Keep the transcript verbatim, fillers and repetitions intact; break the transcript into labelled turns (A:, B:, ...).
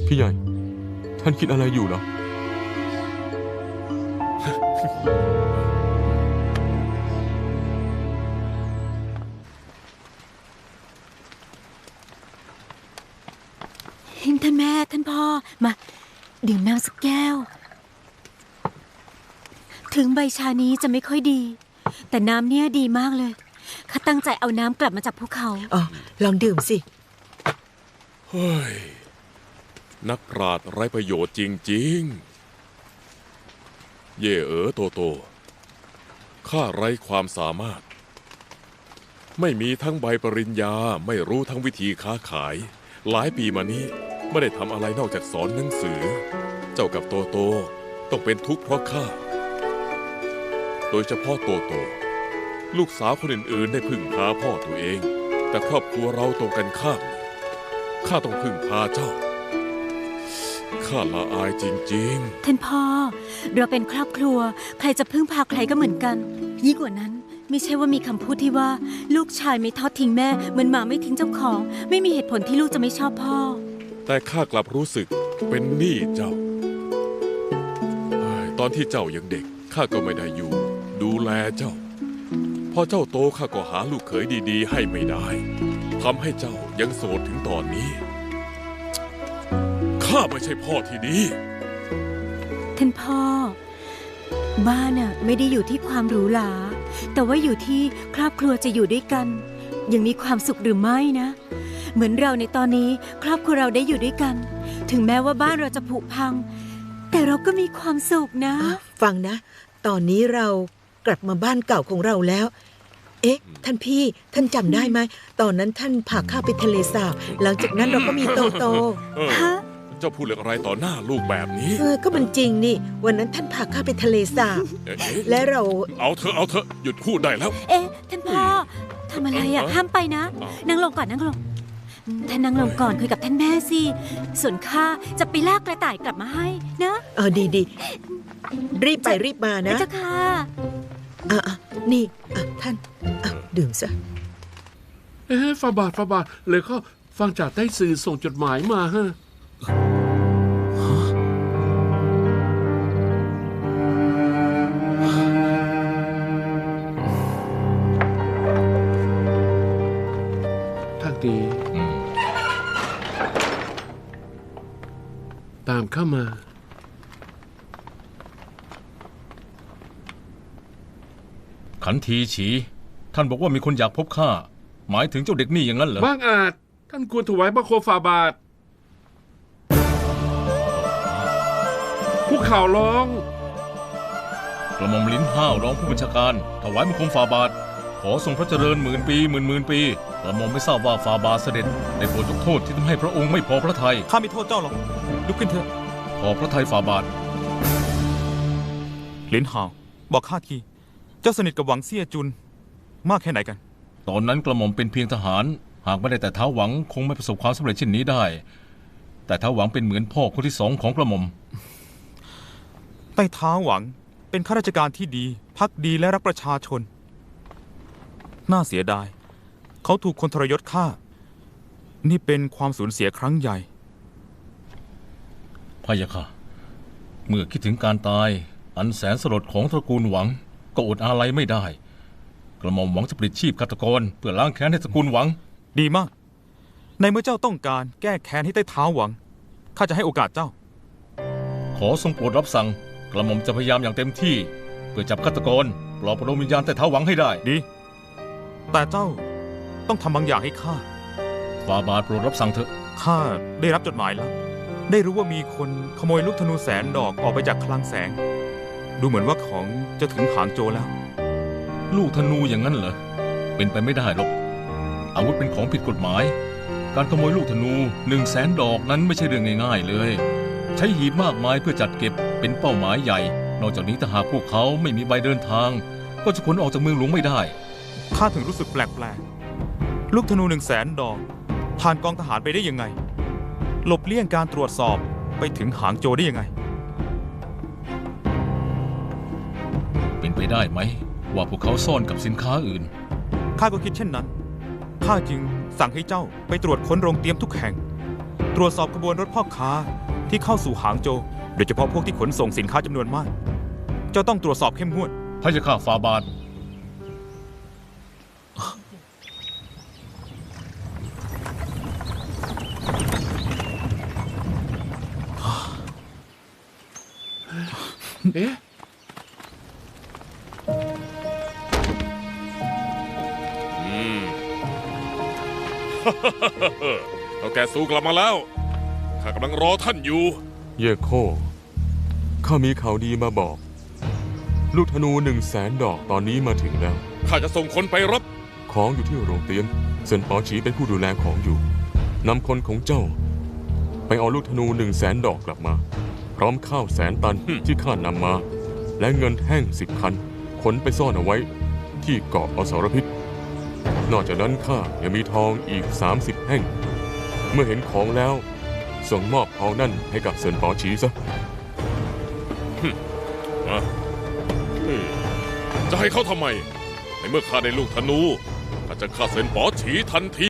A: พี่ใหญ่ท่านคิดอะไรอยู่เหรอ
B: ท่านแม่ท่านพ่อมาดื่มน้ำสักแก้วถึงใบชานี้จะไม่ค่อยดีแต่น้ำเนี่ยดีมากเลยข้าตั้งใจเอาน้ำกลับมาจากภูเขา
C: อ๋อลองดื่มสิ
D: เฮ้ยนักปราชญ์ไร้ประโยชน์จริงๆเย่เอ๋อโตโตข้าไร้ความสามารถไม่มีทั้งใบปริญญาไม่รู้ทั้งวิธีค้าขายหลายปีมานี้ไม่ได้ทำอะไรนอกจากสอนหนังสือเจ้ากับโตโตต้องเป็นทุกข์เพราะข้าโดยเฉพาะโตโตลูกสาวคนอื่นๆได้พึ่งพาพ่อตัวเองแต่ครอบครัวเราตรงกันข้ามข้าต้องพึ่งพาเจ้าข้าละอายจริง
B: ๆท่านพ่อเราเป็นครอบครัวใครจะพึ่งพาใครก็เหมือนกันยิ่งกว่านั้นไม่ใช่ว่ามีคำพูดที่ว่าลูกชายไม่ทอดทิ้งแม่เหมือนหมาไม่ทิ้งเจ้าของไม่มีเหตุผลที่ลูกจะไม่ชอบพ่อ
D: แต่ข้ากลับรู้สึกเป็นหนี้เจ้าตอนที่เจ้ายังเด็กข้าก็ไม่ได้อยู่ดูแลเจ้าพอเจ้าโตข้าก็หาลูกเขยดีๆให้ไม่ได้ทำให้เจ้ายังโสดถึงตอนนี้ข้าไม่ใช่พ่อที่ดี
B: ท่านพ่อบ้านน่ะไม่ได้อยู่ที่ความหรูหราแต่ว่าอยู่ที่ครอบครัวจะอยู่ด้วยกันยังมีความสุขหรือไม่นะเหมือนเราในตอนนี้ครอบครัวเราได้อยู่ด้วยกันถึงแม้ว่าบ้านเราจะผุพังแต่เราก็มีความสุขนะ
C: ฟังนะตอนนี้เรากลับมาบ้านเก่าของเราแล้วเอ๊ะท่านพี่ท่านจำได้ไหมตอนนั้นท่านพาข้าไปทะเลสาบหลังจากนั้นเราก็มีโตโต
B: ฮะ
D: เจ้าพูดเรื่องอะไรต่อหน้าลูกแบบนี้
C: เออก็มันจริงนี่วันนั้นท่านพาข้าไปทะเลสาบและเรา
D: เอาเถอะเอาเถอะหยุดพูดได้แล้ว
B: เอ๊ะท่านพ่อทำอะไรอ่ะห้ามไปนะนั่งลงก่อนนั่งลงท่านนั่งลงก่อนคุยกับท่านแม่สิส่วนข้าจะไปลากกระต่ายกลับมาให้นะ
C: เออดีดีรีบไปรีบมานะ
B: เจ้าค่ะ
C: อ่ะนี่อ่ะท่านอ่ะดื่มซะ
E: เอ๊ะฟาบาทฟาบาทเลยก็ฟังจากใต้สื่อส่งจดหมายมาฮะทักดีตามเข้ามา
F: ขันทีฉีท่านบอกว่ามีคนอยากพบข้าหมายถึงเจ้าเด็กนี่อย่างนั้นเหรอ
E: บ้างอาจท่านควรถวายบังคมฝ่าบาทผู้ข่าวร้อง
F: กระหม่อมลิ้นห้าวร้องผู้บัญชาการถวายบังคมฝ่าบาทขอทรงพระเจริญหมื่นปีหมื่นหมื่นปีกระหม่อมไม่ทราบว่าฝ่าบาทเสด็จได้โปรดยกโทษที่ทำให้พระองค์ไม่พอพระทัย
G: ข้าไม่โทษเจ้าหรอกลุกขึ้นเถอะ
F: พอพระทัยฝ่าบาท
G: ลิ้นห้าวบอกข้าทีเจ้าสนิทกับหวังเซี่ยจุนมากแค่ไหนกัน
F: ตอนนั้นกระหม่อมเป็นเพียงทหารหากไม่ได้แต่ท้าวหวังคงไม่ประสบความสำเร็จเช่นนี้ได้แต่ท้าวหวังเป็นเหมือนพ่อคนที่สองของกระหม่อม
G: ใต้ท้าวหวังเป็นข้าราชการที่ดีภักดีและรักประชาชนน่าเสียดายเขาถูกคนทรยศฆ่านี่เป็นความสูญเสียครั้งใหญ่
F: พะยะค่ะเมื่อคิดถึงการตายอันแสนสลดของตระกูลหวังก็อดอาลัยไม่ได้กระหม่อมหวังจะปลิดชีพฆาตกรเพื่อล้างแค้นให้ตระกูลหวัง
G: ดีมากในเมื่อเจ้าต้องการแก้แค้นให้ใต้เท้าหวังข้าจะให้โอกาสเจ้า
F: ขอทรงโปรดรับสั่งกระหม่อมจะพยายามอย่างเต็มที่เพื่อจับฆาตกรปลอบประโลมวิญญาณใต้เท้าหวังให้ได้
G: ดีแต่เจ้าต้องทำบางอย่างให้ข้า
F: ฝ่าบาทโปรดรับสั่งเถอะ
G: ข้าได้รับจดหมายแล้วได้รู้ว่ามีคนขโมยลูกธนูแสนดอกออกไปจากคลังแสงดูเหมือนว่าของจะถึงหางโจแล้ว
F: ลูกธนูอย่างนั้นเหรอเป็นไปไม่ได้หรอกอาวุธเป็นของผิดกฎหมายการขโมยลูกธนูหนึ่งแสนดอกนั้นไม่ใช่เรื่องง่ายๆเลยใช้หีบมากมายเพื่อจัดเก็บเป็นเป้าหมายใหญ่นอกจากนี้ถ้าหากพวกเขาไม่มีใบเดินทางก็จะขนออกจากเมืองหลวงไม่ได้
G: ข้าถึงรู้สึกแปลกๆลูกธนูหนึ่งแสนดอกผ่านกองทหารไปได้ยังไงหลบเลี่ยงการตรวจสอบไปถึงหางโจได้ยังไง
F: เป็นไปได้ไหมว่าพวกเขาซ่อนกับสินค้าอื่น
G: ข้าก็คิดเช่นนั้นข้าจึงสั่งให้เจ้าไปตรวจค้นโรงเตรียมทุกแห่งตตรวจสอบขบวนรถพ่อค้าที่เข้าสู่หางโจวโดยเฉพาะพวกที่ขนส่งสินค้าจำนวนมาก เจ้าต้องตรวจสอบเข้มงวด
F: พระเจ้าข้าฟาบาท
E: เอ๊ะ
D: อืม เอาแกสู้กลับมาแล้ว ข้ากำลังรอท่านอยู่
A: เย่โคข้ามีข่าวดีมาบอก ลูกธนูหนึ่งแสนดอกตอนนี้มาถึงแล้ว
D: ข้าจะส่งคนไปรับ
A: ของอยู่ที่โรงเตรียมเซินปอฉีเป็นผู้ดูแลของอยู่นำคนของเจ้า ไปเอาลูกธนูหนึ่งแสนดอกกลับมา พร้อมข้าวแสนตัน
D: ฮึ่ม
A: ที่ข้านำมา และเงินแท่งสิบคันขนไปซ่อนเอาไว้ ที่เกาะอสรพิษ นอกจากนั้นข้ายังมีทองอีกสามสิบแห่ง เมื่อเห็นของแล้ว ส่งมอบทองนั่นให้กับเซินปอฉีซะ
D: มาเฮ้ยจะให้เขาทำไม ในเมื่อข้าได้ลูกธนูข้าจะฆ่าเซนป๋อฉีทันที